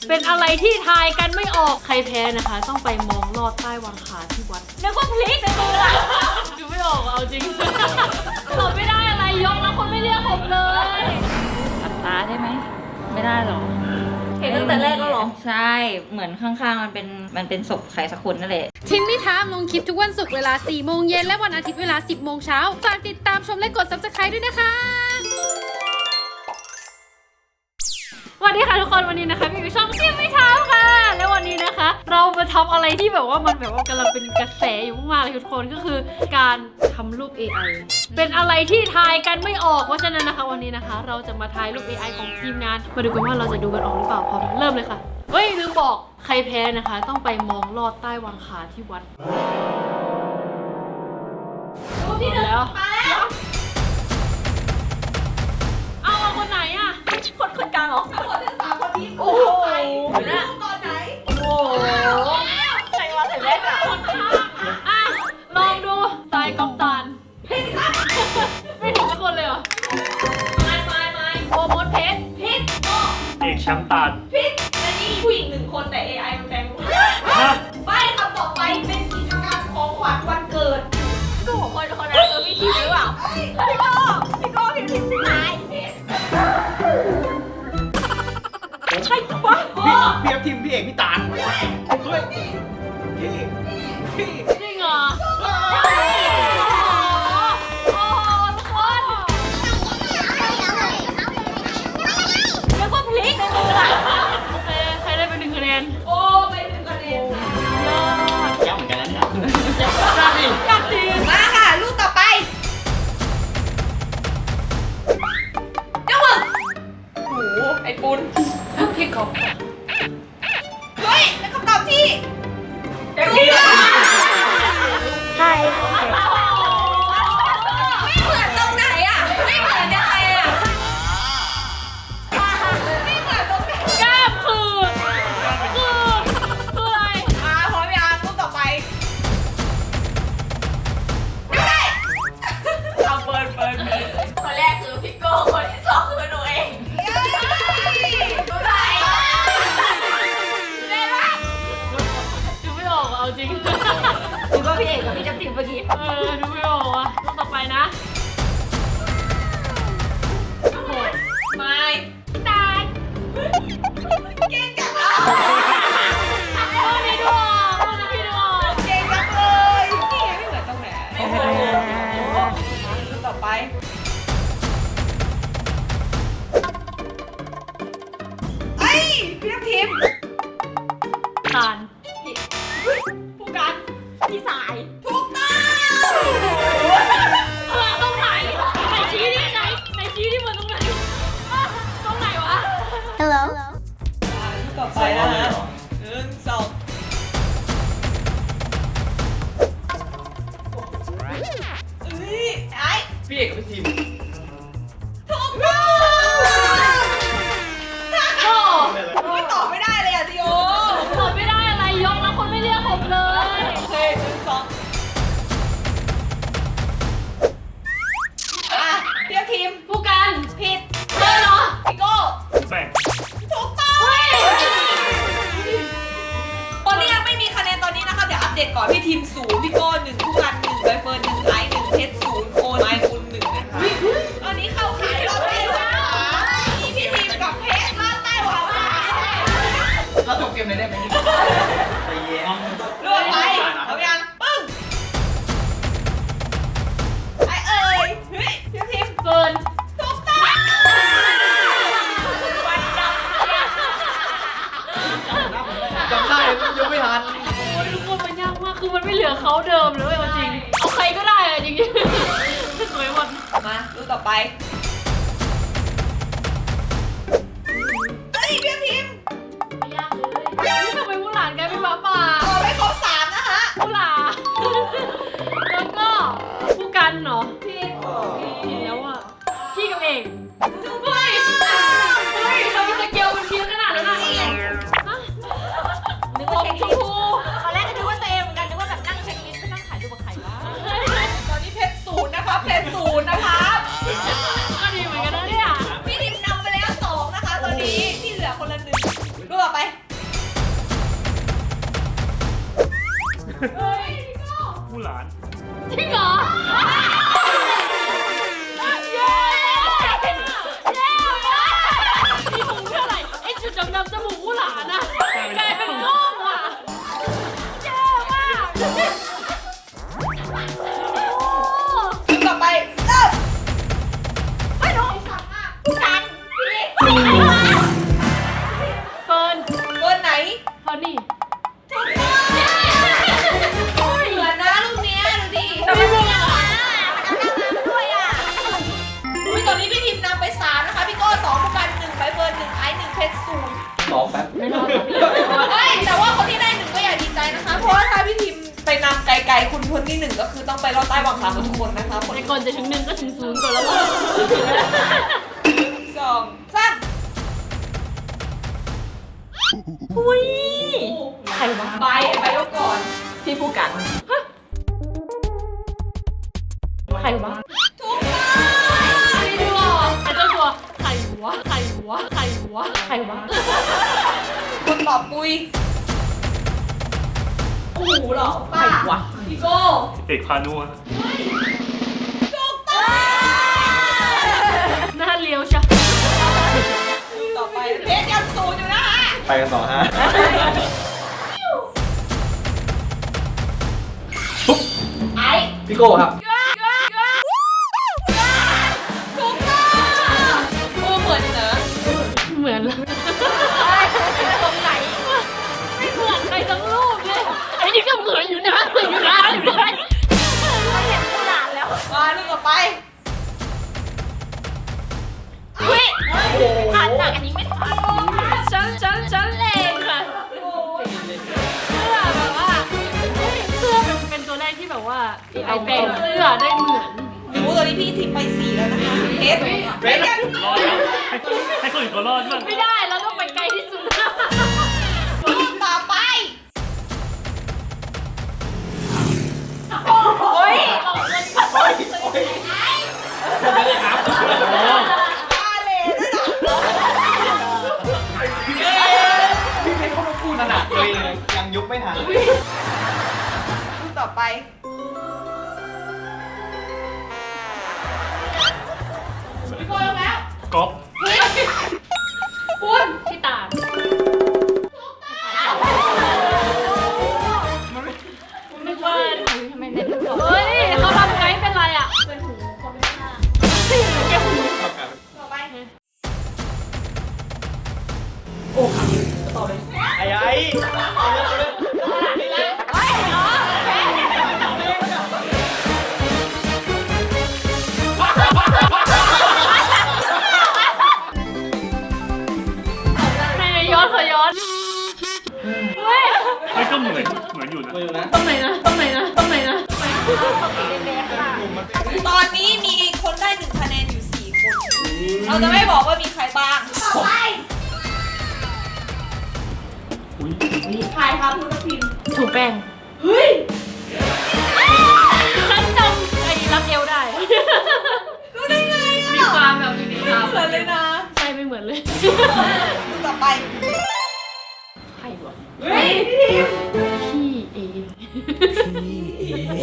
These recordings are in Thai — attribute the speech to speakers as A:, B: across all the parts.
A: เป็นอะไรที่ทายกันไม่ออกใครแพ้นะคะ ต้องไปมองลอดใต้วางขาที่วัดนึกว่าพลิกในมือละดูไม่ออกเอาจริงตอบไม่ได้อะไรยกแล้วคนไม่เรียกผมเลยตัดตาได้ไหมไม่ได้หรอเห็นตั้งแต่แรกแล้วหรอใช่เหมือนข้างๆมันเป็นศพใครสักคนนั่นแหละ
B: ทิมมี่ทามลงคลิปทุกวันศุกร์เวลา 4 โมงเย็นและวันอาทิตย์เวลา 10 โมงเช้าฝากติดตามชมและกด Subscribe ด้วยนะคะสวัสดีค่ะทุกคนวันนี้นะคะมีช่องทิมมี่ทามค่ะและวันนี้นะคะเรามาทำอะไรที่แบบว่ามันแบบว่ากำลังเป็นกระแสอยู่มากๆเลยทุกคนก็คือการทำรูป AI เป็นอะไรที่ทายกันไม่ออกเพราะฉะนั้นนะคะวันนี้นะคะเราจะมาทายรูป AI ของทีมงานมาดูกันว่าเราจะดูกันออกหรือเปล่าพร้อมเริ่มเลยค่ะเฮ้ยลืมบอกใครแพ้นะคะต้องไปมองลอดใต้วางขาที่วัดรูปที่หนึ่งมาแล้วเอาคนไหนอ่ะคนกลางเหรอทั้งหมดทั้ง3คนนี้โอ้โหนะตอนไหนโอ้โหใครมาใส่แว่นอ่ะอ่ะลองดูทรายกำตาลผิดครับไม่ถูกสักคนเลยเหรอไม่โอมดเพชรผิดโอ
C: เอกแชมป์ตาล
A: ผิดและนี่ผู้หญิง1 คนแต่ AI มันแปลงไปคำต่อไปเป็นกิจกรรมของขวัญวันเกิดก็ของคนนั้นคือพี่ทีหรือเปล่าพี่โก้พี่ทีมไหนใครวะ
C: พี่ทีมพี่เอกพี่ตาลเฮ้ยพี่
A: จริงเหรอโอ้ทุกคนเรียกว่าพลิกในมือละโอเคใครได้ไป1 คะแนนโอ้ไป1 คะแนน
C: ย้ำเหมือนกันนะเนี่ย
A: อยากดีมาค่ะลูกต่อไปเจ้าหมึกโอ้โหไอ้ปุนพี่กบเฮ้ยเป็นคำตอบที่ถูกต้องใช่ไม่เหมือนตรงไหนอ่ะไม่เหมือนยังไงอ่ะไม่เหมือนตรงไหนกล้ามคืออะไรพร้อมยังรูปต่อไปไม่ได้เอาเปิดคนแรกคือพี่โก้คนที่2คือหนูเองดูไหนได้ปะดูไม่ออกเอาจริงดูว่าพี่เอกกับพี่จับติมเมื่อกี้ดูไม่ออกอ่ะรูปต่อไปนะโหดไม่ตายเก่งจังเลยนี่ดูออกพี่ดูออกเก่งจังเลยนี่ไม่เหมือนตรงไหนไม่เหมือนรูปต่อไปไอ้พี่ทีมตาลผู้กันพี่สายถูกต้องตรงไหนไหนชี้ที่ไหนชี้ที่มันตรงไหนตรงไหนวะ
B: Hello
A: ต่อไปนะฮะ1 2ไอ้
C: พี่เอกกับพี่ทีม
A: ถูกต้องไม่ตอบไม่ได้เลยอ่ะจิโอตอบไม่ได้อะไรยกแล้วคนไม่เรียกผมเลยโอเค1 2เรียกทีมผู้กันผิดเลยเหรอพี่โก้
C: แบ่ง
A: ถูกต้องตอนนี้ยังไม่มีคะแนนตอนนี้นะคะเดี๋ยวอัปเดตก่อนพี่ทีม0พี่โก้1ผู้กัน1ใบเฟิร์น1ไอซ์1เพชร0โอนไมค์คุณ1นะคะตอนนี้เข้าขายรอบใต้หวามีพี่ทีมกับเพชรรอบใต้หวา
C: เราจบเกมเลยได้ไหมไปเย็น
A: เลือกไปเอายังปึ้งไอเอ้ยเฮ้ยพี่ทีมเฟิร์นถูกต้องวันดำ
C: จำได้ยังไม่ทัน
A: โอ้ยทุกคนมันยากมากคือมันไม่เหลือเขาเดิมเลยจริงเอาใครก็ได้อะจริงๆสวยหมดมาดูต่อไปเฮ้ยพี่ทีมไม่ยากเลยนี่ทำไมผู้หลานกลายเป็นหมาป่าไม่ครบ3นะคะผู้หลานแล้วก็ผู้กันเหรอพี่แล้วอ่ะพี่กับเอกเฮ้ยเรามีสเกลเป็นทีมขนาดนั้นอ่ะนึกว่าเช็คลิสต์ตอนแรกก็นึกว่าตัวเองเหมือนกันนึกว่าแบบนั่งเช็คลิสต์ไม่นั่งถ่ายรูปกับใครวะตอนนี้เพชร0นะคะเพชร0นะคะ
D: ผู้หลาน
B: จริงเหรอเย้มีหูเท่าไหร่ไอ้จุดดำๆจมูกผู้หลานอะกลายเป็นก้องว่ะแย่มาก
E: ต่อไปเริ่ม
B: ไม่รู้
E: กัน
B: เฟิร์น
E: เบอร์ไหน
B: เฟิร์นนี่
E: ถูกต้องเหมือนนะรูปเนี้ยดูดิ
B: ไม่เหมือน
E: ด้วยอ่ะอุ้ยตอนนี้พี่ทีมนำไป3นะคะพี่โก้2ผู้กัน1ใบเฟิร์น1ไอซ์1เพชร0
C: รอแป๊บ
B: ไม่รอด
E: เฮ้ยแต่ว่าคนที่ได้1ก็อย่าดีใจนะคะ เพราะว่าถ้าพี่ทีมไปนำไกลๆคุณคนที่1ก็คือต้องไปรอดใต้วังขาของทุกคนนะคะคน
B: ใน
E: ที่
B: ก่อนจะถึง1ก็ถึง0ก่อนแล้วว่า
E: 2 3
B: อุ้ยใครวะ
E: ไปยกก่อน
A: พี่ผู้กัน
B: ใครวะ
E: ถูกต้อง
B: ไม่รู้หรอกไอ้เจ้าตัวใครวะใครวะใครวะใครวะ
E: คนตอบปุยโอ้โหเหรอป้าวะพี่โก้
D: เอกพานุอะ
E: ถูกต้อง
B: หน้าเลี้ยวใช่
E: ต่อไปเพชรยัง0อยู่นะคะ
C: ไปกันต่อฮะ
E: ไอ้
C: พี่โก้ครับ
E: ถูกต้องโอ้เหมือนเนอะ
B: เหมือนเลย
E: ตรงไหน
B: ไม่เหมือนใครทั้งรูปเลยไอ้นี่ก็เหมือนอยู่นะเหมือนอยู่นะอยู่นะ
E: ไม่เห็นผู้หลานแล้วมาลูกต่อไป
B: เฮ้ยผ่านจากอันนี้ไม่ทันฉันเลงค่ะเสื้อแบบว่าเสื้อเป็นตัวแรกที่แบบว่าไอแปลงเสื้อได้เหมือน
E: หนูตอนนี้พี่ทิ้งไป4แล้วนะคะเพชรเพชรยัง
D: รอดแล้วให้คนอื่นเขารอดบ้าง
B: ไม่ได้เราต้องไปไกลที่สุด
E: รูปต่อไปโอ้ย
C: ไม่ได้ครับ
E: มาเลยนะ
C: พี่เพชรเขาพูดขนาดตัวเองยังยุบไม่ทัน
E: รูปต่อไปพี่โก้ลงแล้ว
D: ก๊อฟ
E: คุณ
B: ที่ตาดนึกว่าทำไมเน็ตไม่บอกเฮ้ยเขาทำไงเป็นไรอ่ะ
E: เป็นหูคนข้าง
B: แกหู
E: ต่อไป
C: ไอ้
B: ในย้อนขอย้อนเฮ้ย
D: ไม่ก็เหมือนอยู่นะ
C: มาอยู่นะ
B: ตรงไหนนะตรงไหนนะตรงไหนนะ
E: ตอนนี้มีคนได้1คะแนนอยู่4คนเราจะไม่บอกว่ามีใครบ้างต่อไป
D: อุ้ย
E: ใครคะคุณพิมพ์
B: ถูกแป้ง
E: เฮ้ย
B: ฉันจำไอ้รักเอวได้
E: รู้ได้ไงอ่ะ
B: มีความแบบมี
E: ไม่
B: ความ
E: เหมือนเลยนะ
B: ใช่ไม่เหมือนเลย
E: ดูต่อไป
B: ใครวะ
E: เฮ้ยพี่ทีม
B: พี่เอง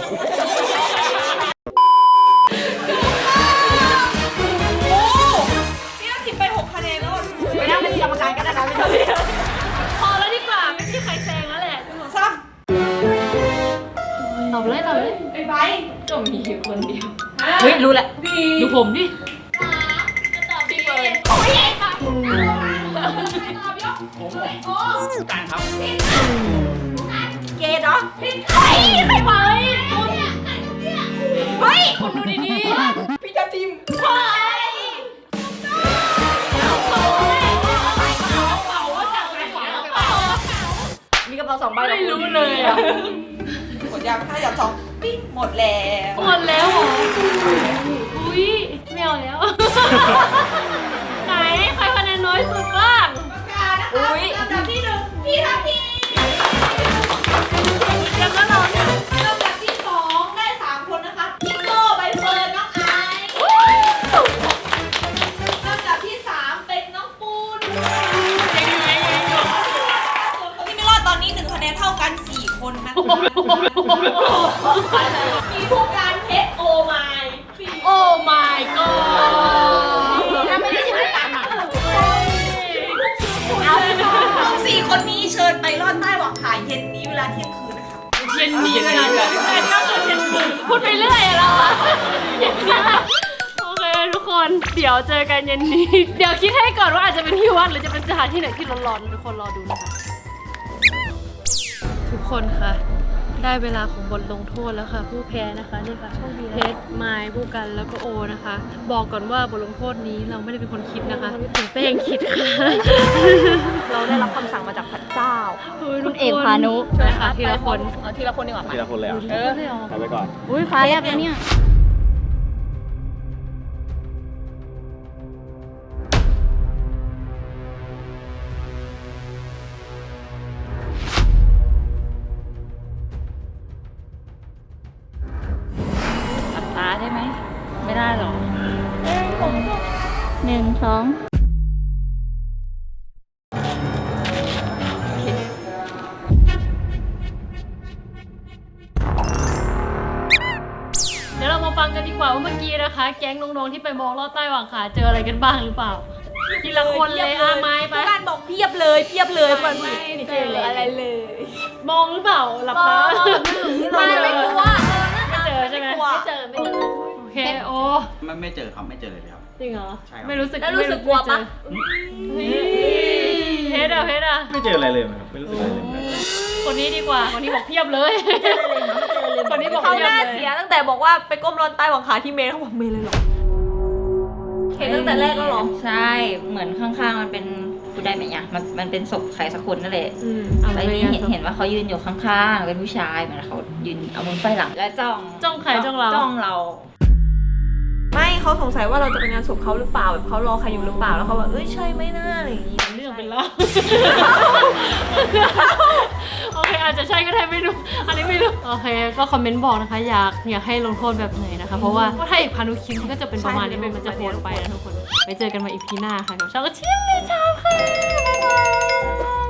E: โอ้พี่ต้องทิมไป6คะแนนแล้ว
A: ไม่ได้เป็นกรรมการก็ได้นะไม่ต้อง
B: พอแล้วดีกว่าไม่มีใครแซงแล้วแหละ
E: หนูซ้
B: ตอบเลยตอบเลย
E: ำไอ้ใบ
B: ก็มีอยู่คนเดียว
A: เฮ้ยรู้แหละ
E: ดี
B: ดูผมดิ
E: พี่เฟิร์น
B: โอ้ย
C: การครับ
A: เกย์เนาะ
B: เฮ้ยไม่ไหวคุณเฮ้ยคุณดูดี
E: พี่จะทิม
B: ๆเฮ้ย
A: มีกระเป๋า2 ใบ
B: ไม่รู้เลยอ่ะ
E: หมดยังถ้าอยากสองปิ้งหมดแล้ว
B: หมดแล้วเหรออุ้ยไม่เอาแล้ว ไหนใครคะแนนน้อยสุดบ้าง
E: ประกาศนะคะลำดับที่1พี่ทัพที
B: เตรียมแล้วเราเนี่ย
E: ลำดับที่2ได้3คนนะคะพี่โก้ใบเฟิร์นน้องไอซ์ลำดับที่3เป็นน้องปูนส่วนคนที่ไม่รอดตอนนี้1คะแนนเท่ากัน4คนนนะคะมีผู้การเพชรโอไมล์
A: โอ้ my god
E: ถ้าไม่ได้ชื่อกันอ่ะต้อง4 คนนี้เชิญไปลอดใต้หวังขาเย็นนี้เวลาเที่ยงคืนนะคะ
A: เย็นนี้เลยนะพูดไปเรื่อยอะเราอะเย็นนี้โอเคทุกคนเดี๋ยวเจอกันเย็นนี้ เดี๋ยวคิดให้ก่อนว่าอาจจะเป็นที่วัดหรือจะเป็นสถานที่ไหนที่ร้อนๆทุกคนรอดูนะคะทุกคนคะได้เวลาของบทลงโทษแล้วค่ะ ผู้แพ้นะคะนี่ค่ะเพชรไมล์ผู้กันแล้วก็โอนะคะ บอกก่อนว่าบทลงโทษนี้เราไม่ได้เป็นคนคิดนะคะถึงเป้งคิดค่ะ
E: เราได้รับคำสั่งมาจากพระเจ้า
B: คุณเอกพานุ
A: ใช่ค่ะทีละคน
E: เอาทีละคนดีกว่า
C: ทีละคนเลยเหรอ
A: เออ
C: เอาไปก่อน
B: อุ้ยฟ้าแลบแล้วเนี่ย
F: หลับตาได้ไหม ไม่ได้หรอก
B: 1 2
A: เดี๋ยวเรามาฟังกันดีกว่าว่าเมื่อกี้นะคะ แก๊งน้องๆที่ไปมองลอดใต้หว่างขาเจออะไรกันบ้างหรือเปล่า ทีละคนเลยอาไม้ไป
E: ผู้การบอกเพียบเลยมันไม่เจออะไรเลย
A: มองหรือเปล่าหลับตา
E: ไม่กลัว
A: ไม่เจอใช่ไหม
E: ไม่เจอ
A: โอเคโอ้
C: ไม่เจอครับไม่เจอเลยครับ
A: จริงเหรอ
C: ใช่ครับ
A: ไม่รู้สึก
E: แล้วรู้สึกกลัวปะ
A: เพชรอะเพชรอะ
C: ไม่เจออะไรเลยครับไม่รู้สึกอะไรเลย
A: คนนี้ดีกว่าคนนี้บอกเพียบเลยคนนี้บอก
E: เขา
A: เพียบ
E: หน้า
A: เลย
E: เสียตั้งแต่บอกว่าไปก้มรอนใต้หวังขาที่เมย์เขาบอกเมย์เลยเหรอเห็นตั้งแต่แรกแล้วเหรอ
F: ใช่ เหมือนข้างๆมันเป็นพูดได้ไหมเนี่ยมันเป็นศพใครสักคนนั่นแหละ
A: อะไร
F: แล้วนี่
A: เนี่ย
F: เห็นว่าเขายืนอยู่ข้างๆ เป็นผู้ชายเหมือนเขายืนเอามือไฟหลัง และจ้อง
A: จ้องใครจ้องเรา
F: จ้องเรา
E: ไม่เขาสงสัยว่าเราจะไปงานศพเขาหรือเปล่าแบบเขารอใครอยู่หรือเปล่าแล้วเขาบอกเอ้ยใช่ไหมน่าอะไรอย่างงี้
A: เรื่องเป็นเล่าโอเคอาจจะใช่ก็ได้ไม่รู้อันนี้ไม่รู้โอเคก็คอมเมนต์บอกนะคะอยากให้ลงโทษแบบไหนนะคะ เพราะว่าถ้าอีกพานุคิมก็จะเป็นประมาณนี้มันจะโหดไปนะทุกคนไปเจอกันมาอีพีหน้าค่ะกับช่องเชี่ยงเลยชาวค่ะบ๊ายบาย